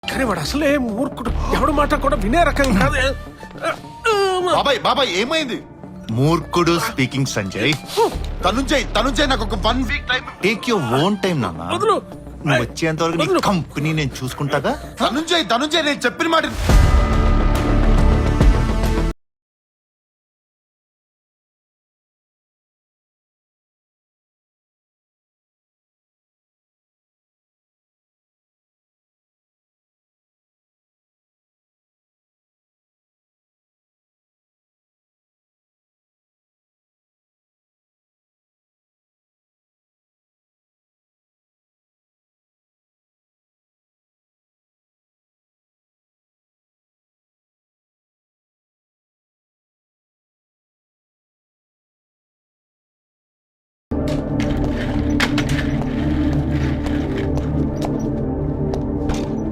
కానీ వాడు అసలే మూర్ఖుడు, ఎవడు మాట కూడా వినే రకం కాదు. బాబాయ్ ఏమైంది? మూర్ఖుడు స్పీకింగ్ సంజయ్. తనుంజయ్ నాకు ఒక 1 week time. Take your own time నాన్న. వదులు. నువ్వు వచ్చేంత వరకు నీ కంపెనీ నేను చూసుకుంటాగా. తనుంజయ్ నేను చెప్పిన మాట